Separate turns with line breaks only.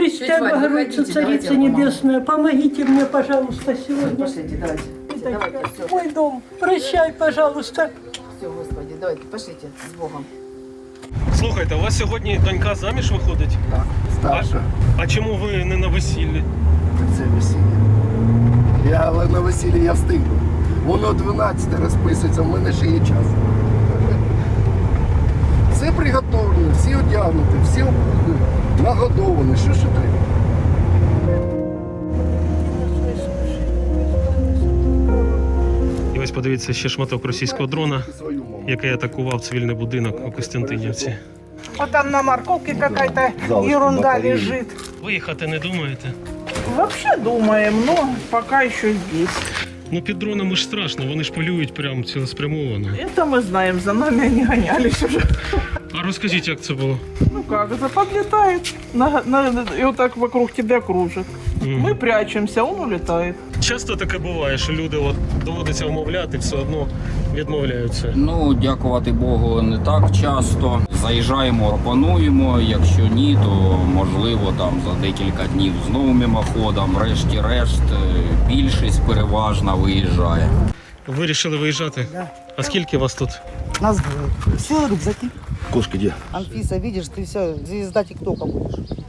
Пресвятая
Тетя Валь,
Богородица,
выходите, давайте
Царица
я помогу.
Небесная, помогите мне, пожалуйста, сегодня.
Пошлите, давайте. Давайте, все.
Мой дом, прощай, пожалуйста.
Все, Господи, давайте, пошлите з Богом.
Слухайте, у вас сьогодні донька заміж виходить?
Так, старша.
А чому ви не на весіллі?
Це весілля. Але на весіллі я встигну. Воно 12 розписується, в мене ще є час. Все приготовлено, всі одягнуті, всі нагодовані. Що ще треба?
І ось подивіться ще шматок російського дрона,
Свою мову.
який атакував цивільний будинок у Костянтинівці.
Вот там на морковке какая-то ерунда лежит.
Виїхати не думаєте?
Вообще думаем, но пока еще здесь.
Ну під дронами ж страшно, вони ж полюють прямо цілеспрямовано.
Это мы знаем, за нами они гонялись уже.
А розкажіть, як це було?
Ну как, это подлетает и вот так вокруг тебя кружит. Мы прячемся, он улетает.
Часто таке буває, що люди от доводиться вмовляти, все одно відмовляються.
Ну, дякувати Богу, не так часто. Заїжджаємо, пропонуємо. Якщо ні, то можливо там за декілька днів знову мимоходом. Врешті-решт, більшість переважна виїжджає.
Вирішили виїжджати?
Да.
А скільки вас тут?
Нас двое. Все рюкзаки.
Кошка де?
Анфиса, видишь, ты все, звезда ТикТока будешь.